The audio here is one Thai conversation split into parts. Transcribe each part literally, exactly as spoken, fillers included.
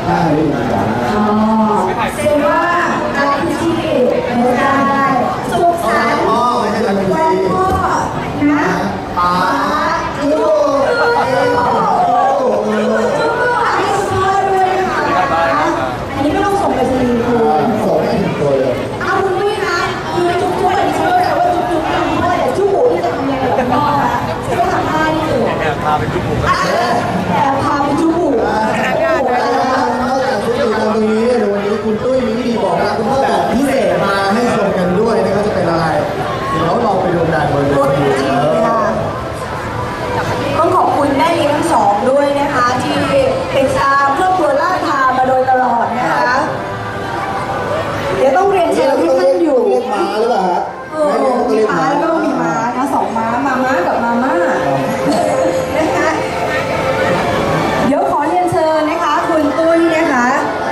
ห้าลิตรอ๋อเซว่าอะไรที่ไม่ได้สุขสันต์วันพ่อนะป้าลูกอันนี้ก็ต้องส่งไปสลีคุณส่งให้ถึงตัวเลยเอาคุณด้วยนะคือจุ๊บจุ๊บอันนี้เชื่อเลยว่าจุ๊บจุ๊บทำพ่อแต่จุ๊บหูที่จะทำยังไงกับพ่อนะก็ทำได้นี่คือแอบพาไปจุ๊บหูแอบพาไปจุ๊บหูนอกจากจุ๊บหูตรงนี้ในวันนี้คุณตุ้ยมีวิธีบอกรักคุณพ่อแบบพิเศษมาให้ชมกันด้วยนะครับจะเป็นอะไรเดี๋ยวเราไปดูกันบนเวทีต้องขอบคุณแม่เลี้ยงทั้งสองด้วยนะคะที่ติดตามครอบครัวล่าทามาโดยตลอดนะคะเดี๋ยวต้องเรียนเชิญที่ท่านอยู่เรียกม้าหรือเปล่าฮะเออมีม้าแล้วก็มีม้านะสองม้ามาม้ากับมาม่านะคะเดี๋ยวขอเรียนเชิญนะคะคุณตุ้ยนะคะ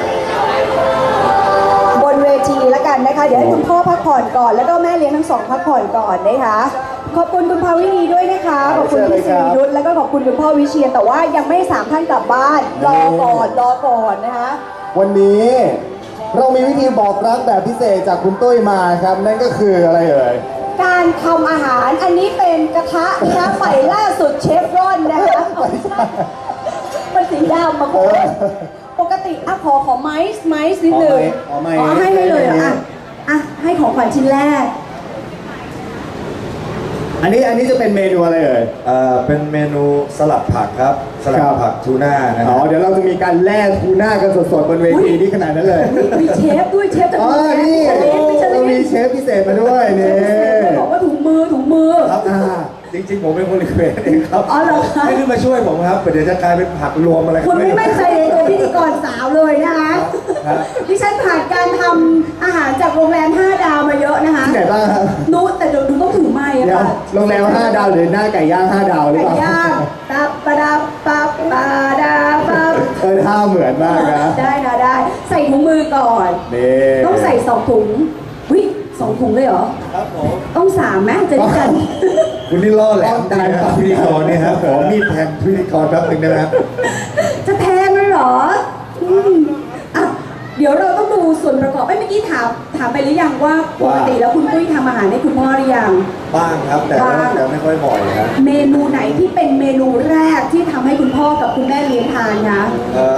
บนเวทีแล้วกันนะคะเดี๋ยวให้คุณพ่อพักผ่อนก่อนแล้วก็แม่เลี้ยงทั้งสองพักผ่อนก่อนนะคะขอบคุณคุณภาวินีด้วยนะคะขอบคุณพี่สิริยุทธแล้วก็ขอบคุณคุณพ่อวิเชียรแต่ว่ายังไม่สามท่านกลับบ้านรอก่อนรอก่อนนะคะวันนี้เรามีวิธีบอกรักแบบพิเศษจากคุณตุ้ยมาครับนั่นก็คืออะไรเอ่ยการทำอาหารอันนี้เป็นกระทะนะคะใหม่ล่าสุดเชฟรอนนะคะมันสีดำมาคุณปกติอ่ะขอขอไม้ไม้นิดหนึ่งอ๋อให้ให้เลยอ่ะอ่ะให้ของขวัญชิ้นแรกอันนี้อันนี้จะเป็นเมนูอะไรเอ่ยเอ่อเป็นเมนูสลัดผักครับสลัดผักทูน่านะคอ๋รัอบ เดี๋ยวเราจะมีการแล่ทูน่ากันสดๆบนเวทีที่ขนาดนั้นเลยมีเชฟด้วยเชฟจากอ๋อนี่เรามีเชฟพิเศษมาด้วยนี่บอกว่าถุงมือถุงมือครับจริงๆผมเป็นคนรีเควสเองครับอ๋อเหรอคะให้ขึ้นมาช่วยผมครับเดี๋ยวจะกลายเป็นผักรวมอะไรคุณไม่มั่นใจในตัวพิธีกรสาวเลยนะคะดิฉันผ่านการทำอาหารจากโรงแรมห้าดาวมาเยอะนะคะที่ไหนบ้างครับนู้แต่เดี๋ยวดูต้องถือไม้อะค่ะโรงแรมห้าดาวหรือหน้าไก่ย่างห้าดาวหรือเปล่าไก่ย่างตับปะดับปับปะดาปับเออท่าเหมือนมากนะได้นะได้ใส่ถุงมือก่อนต้องใส่สองถุงวิสองถุงเลยเหรอครับผมต้องสามไหมจะได้กันคุณนี่ล่อแหลมได้ครับพิธีกรนี่ครับขอมีดแทงพิธีกรแป๊บนึงได้ไหมครับจะแทงเลยเหรออ่ะเดี๋ยวเราต้องดูส่วนประกอบไม่เมื่อกี้ถามถามไปหรือยังว่าปกติแล้วคุณตุ้ยทำอาหารให้คุณพ่อหรือยังบ้างครับแต่แต่ไม่ค่อยบ่อยครับเมนูไหนที่เป็นเมนูแรกที่ทำให้คุณพ่อกับคุณแม่เลี้ยงทานคะเออ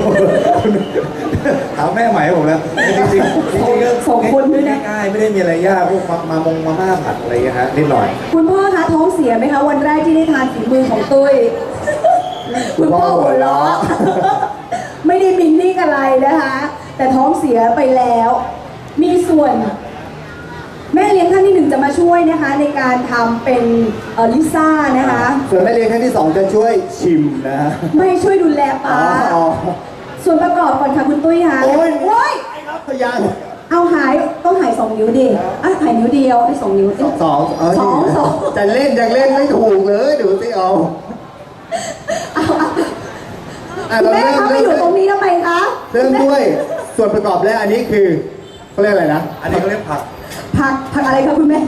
ถามแม่ใหม่ผมแล้วจริงๆจริงๆก็สองคนด้วยนะง่ายไม่ได้มีอะไรยากพวกมามงมาม่าผัดอะไรอย่างเงี้ยฮะนิดหน่อยคุณพ่อคะท้องเสียไหมคะวันแรกที่ได้ทานฝีมือของตุ้ยคุณพ่อหัวเราะไม่ได้มินนี่อะไรนะคะแต่ท้องเสียไปแล้วมีส่วนแม่เลี้ยงท่านที่หนึ่งจะมาช่วยนะคะในการทำเป็นลิซ่านะคะส่วนแม่เลี้ยงท่านที่สองจะช่วยชิมนะไม่ช่วยดูแลปลาส่วนประกอบก่อนค่ะคุณตุ้ยค่ะโอ้ยโอ้ยพยานเอาหายต้องหายสองนิ้วดิอ่ะหายนิ้วเดียวให้สองนิ้วสองสองสองสองจะเล่นยังเล่นไม่ถูกเลยดูสิเอาแม่เขาไปอยู่ตรงนี้ทำไมคะเริ่มด้วยส่วนประกอบแรกอันนี้คือเขาเรียกอะไรนะอันนี้เขาเรียกผักผักผักอะไรคะคุณแม่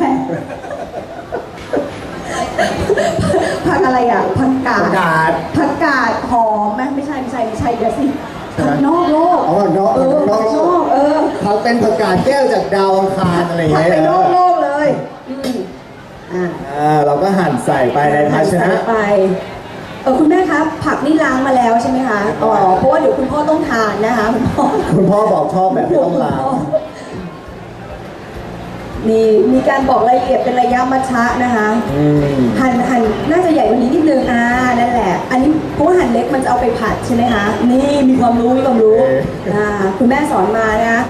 ผักอะไรอ่ะผักกาดผักกาดหอมไหมไม่ใช่ไม่ใช่ไม่ใช่เดี๋ยวสิผักนอกโลกอ๋อนอกนอกโลกเออผักเป็นผักกาดแก้วจากดาวอังคารอะไรอย่างเงี้ยผักเป็นนอกโลกเลยอ่าเราก็หั่นใส่ไปในภาชนะไปเออคุณแม่ครับผักนี่ล้างมาแล้วใช่ไหมคะอ๋อเพราะว่าเดี๋ยวคุณพ่อต้องทานนะคะคุณพ่อคุณพ่อบอกชอบแบบไม่ต้องล้างมีมีการบอกรายละเอียดเป็นระยะมัชชะนะคะหั่นหั่นน่าจะใหญ่กว่านี้นิดนึงอ่านั่นแหละอันนี้เพราะว่าหั่นเล็กมันจะเอาไปผัดใช่ไหมคะนี่มีความรู้มีความรู้อ่าคุณแม่สอนมานะ